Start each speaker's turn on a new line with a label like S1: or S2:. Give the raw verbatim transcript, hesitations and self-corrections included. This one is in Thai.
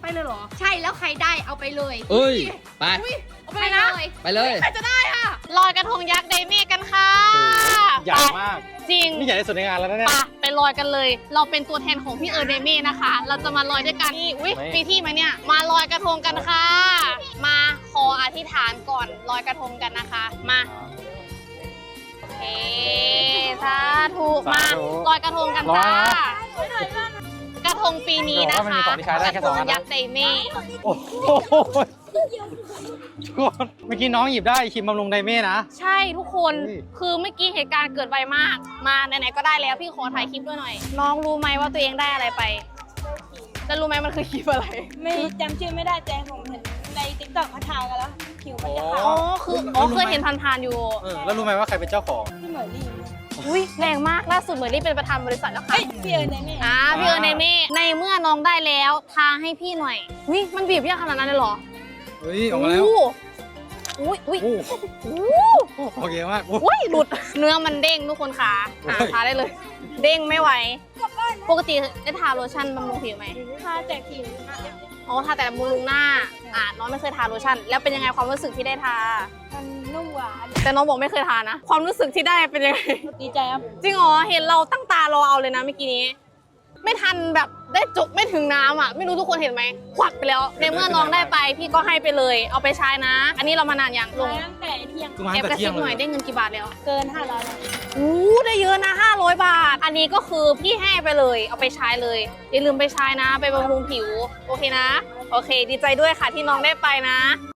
S1: ไปเลยเหรอ
S2: ใช่แล้วใครได้เอาไปเลย
S3: เอ้ยไป
S1: เอาไปเลยนะ
S3: ไปเลย
S1: ใครจะได้อ่ะ
S4: ลอยกระทงยักษ์ไดเมกันค่ะ
S5: ใหญ่มาก
S4: จริง
S5: นี่ใหญ่ที่สุดในงานแล้วนะเนี่ย
S4: ไปไปลอยกันเลย เราเป็นตัวแทนของพี่เออเดเม่นะคะ เราจะมาลอยด้วยกันนี่อุ้ย
S5: ไม่
S4: มีที่ไหมเนี่ย มาลอยกระทงกันค่ะ มาขออธิษฐานก่อนลอยกระทงกันนะคะ มาโอเคสาธุมาลอยกระทงกันจ้ากระทงปีนี้นะคะกระทงยักษ์ไดเม่
S5: โอ้โหทุกคนเมื่อกี้น้องหยิบได้คิมบำรุงไดเม่นะ
S4: ใช่ทุกคน
S5: เฮ้ย
S4: คือเมื่อกี้เหตุการณ์เกิดไวมาก มาไหนๆก็ได้แล้วพี่ขอถ่ายคลิปด้วยหน่อย น้องรู้ไหมว่าตัวเองได้อะไรไปแล้วรู้ไหมมันคือคลิปอะไร
S1: ไม่จำชื่อไม่ได้แต่ผมเห็นในติ๊กต็อกเขาทากันแล้วคิวมันจะขาว
S4: อ๋อคืออ๋อเคยเห็นผ่านๆอยู่
S5: เออแล้วรู้ไหมว่าใครเป็นเจ้าของ
S1: ที่เหมือนลี่
S4: อุ้ยแรงมากล่าสุดเหมือนนี่เป็นประธานบริษัทแล้วค่ะ
S1: เอ้ยพี่เอิญในแม่
S4: อ่าพี่เอิญในเม่ในเมื่อน้องได้แล้วทาให้พี่หน่อยอุ้ยมันบีบยากขนาดนั้นเลยเหรอ
S5: เฮ้ยออกมาแล้ว
S4: อุ้ยอุ้ย
S5: โอ้
S4: อุ้ย
S5: โอเคมากโอ้
S4: อุ้ยหลุดเนื้อมันเด้งทุกคนค่ะอ่า
S5: โอ้ย
S4: ทาได้เลย เด้งไม่ไหวปกติได้ทาโลชั่นบำรุงผิวไหม
S1: ทาแต่ผิว
S4: อ๋อทาแต่บำรุงหน้าอ่าน้องไม่เคยทาโลชั่นแล้วเป็นยังไงความรู้สึกที่ได้ทา
S1: มันนุ่มหวาน
S4: แต่น้องบอกไม่เคยทานะ ความรู้สึกที่ได้เป็นยังไง
S1: ดีใจครับ
S4: จริงเหรอเห็นเราตั้งตารอเอาเลยนะเมื่อกี้นี้ ไม่ทันแบบได้จบไม่ถึงน้ำอ่ะไม่รู้ทุกคนเห็นไหมควักไปแล้วในเมื่อน้องได้ไปพี่ก็ให้ไปเลย เอาไปใช้นะ อันนี้เรามานานยังลง
S1: ตั้งแต่เที่ยง
S5: คือมา
S4: แอบ
S5: ตั้ง
S4: ก
S5: แต่
S4: ระ
S5: เที่
S4: ซิ
S5: ย
S4: บ
S5: ง
S4: ห
S5: เล
S4: น่อย
S5: ย
S4: ได้เงินกี่บาทแล้ว
S1: เกินห้าร้อยแล้ว
S4: อู้ได้เยอะนะห้าร้อยบาท อันนี้ก็คือพี่ให้ไปเลยเอาไปใช้เลยอย่าลืมไปใช้นะ ไปบำรุงผิวโอเคนะโอเค ดีใจด้วยค่ะที่น้องได้ไปนะ